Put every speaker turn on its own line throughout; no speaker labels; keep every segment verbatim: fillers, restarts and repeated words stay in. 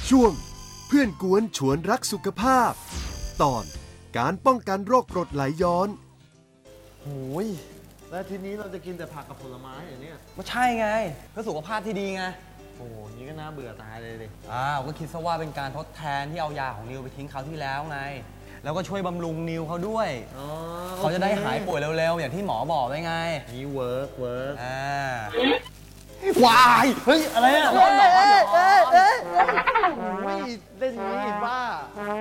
ช่วงเพื่อนกวนชวนรักสุขภาพตอนการป้องกันโรคกรดไหลย้อน
โอ้ยแล้วทีนี้เราจะกินแต่ผักกับผลไม้เหรอเนี่ย
ก็ใช่ไงเพื่อสุขภาพที่ดีไง
โอ้โหนี่ก็น่าเบื่อตายเลยดิ
อ้าวก็คิดซะว่าเป็นการทดแทนที่เอายาของนิวไปทิ้งคราวที่แล้วไงแล้วก็ช่วยบำรุงนิวเขาด้วยเขาจะได้หายป่วยเร็วๆอย่างที่หมอบอกไว้ไง
นี่เวิร์กเวิร์ก
อ่าวาย
เฮ้ยอะไรอ่ะร้อนร้อนร้อนโอ้ยเล่นนี้บ้า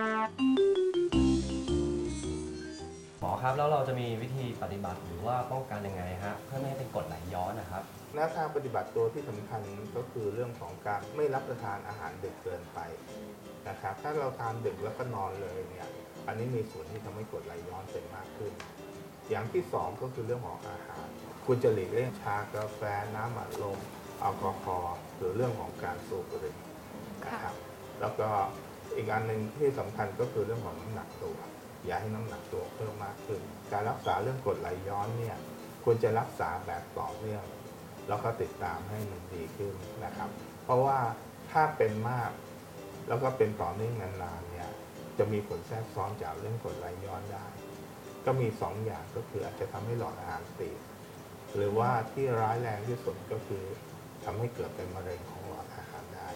หมอครับแล้วเราจะมีวิธีปฏิบัติหรือว่าป้องกันยังไงฮะเพื่อไม่ให้เป็นกรดไหลย้อนนะครับ
แนวทางปฏิบัติตัวที่สำคัญก็คือเรื่องของการไม่รับประทานอาหารดึกเกินไปนะครับถ้าเราทานดึกแล้วก็นอนเลยเนี่ยอันนี้มีส่วนที่ทำให้กรดไหลย้อนเป็นมากขึ้นอย่างที่สองก็คือเรื่องของอาหารควรจะหลีกเลี่ยงชากาแฟน้ำอัดลมแอลกอฮอล์หรือเรื่องของการสูบบุหรี่นะครับแล้วก็อีกอันหนึ่งที่สำคัญก็คือเรื่องของน้ำหนักตัวอย่าให้น้ำหนักตัวเพิ่มมากขึ้นการรักษาเรื่องกรดไหลย้อนเนี่ยควรจะรักษาแบบต่อเนื่องแล้วก็ติดตามให้มันดีขึ้นนะครับเพราะว่าถ้าเป็นมากแล้วก็เป็นต่อเนื่องนานๆเนี่ยจะมีผลแทรกซ้อนจากเรื่องกรดไหลย้อนได้ก็มีสองอย่างก็คืออาจจะทำให้หลอดอาหารตีบหรือว่าที่ร้ายแรงที่สุดก็คือทำให้เกิดเป็นมะเร็งของหลอดอาหารได้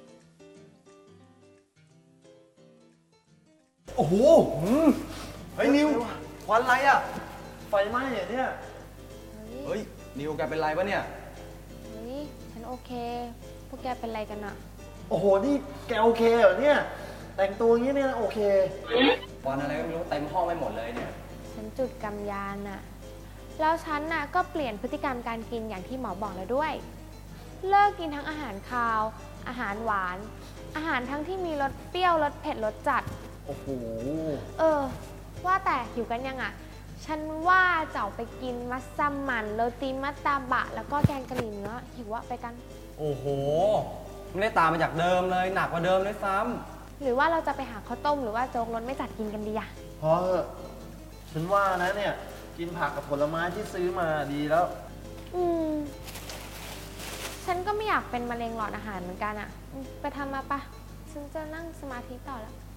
โอ้โหเฮ้ยนิวควันอะไรอ่ะ
ไฟไหม้เหรอเนี่ย
เฮ้ยนิวแกเป็นไรปะเนี่ย
เฮ้ยฉันโอเคพวกแกเป็นไรกันอะ
โอ้โหนี่แกโอเคเหรอเนี่ยแต่งตัวอย่างนี้เนี่ยโอเค
ควันอะไรก็ไม่รู้เต็มห้องไปหมดเลยเนี่ย
ฉันจุดกำยานอะแล้วฉันน่ะก็เปลี่ยนพฤติกรรมการกินอย่างที่หมอบอกแล้วด้วยเลิกกินทั้งอาหารคาว อาหารหวานอาหารทั้งที่มีรสเปรี้ยวรสเผ็ดรสจัด
โอ้โห
เออว่าแต่หิวกันยังอะฉันว่าจะออกไปกินมัสมั่นโรตีมัตตาบะแล้วก็แกงกะหรี่เนื้อหิวอะไปกัน
โอ้โหไม่ได้ตามมาจากเดิมเลยหนักกว่าเดิมด้วยซ้
ำหรือว่าเราจะไปหาข้าวต้มหรือว่าโจ๊กรสไม่จัดกินกันดีอะ
พอเถอะฉันว่านะเนี่ยกินผักกับผลไม้ที่ซื้อมาดีแล้ว
อืมฉันก็ไม่อยากเป็นมะเร็งหลอดอาหารเหมือนกันอะไปทำมาปะฉันจะนั่งสมาธิต่อแล้ว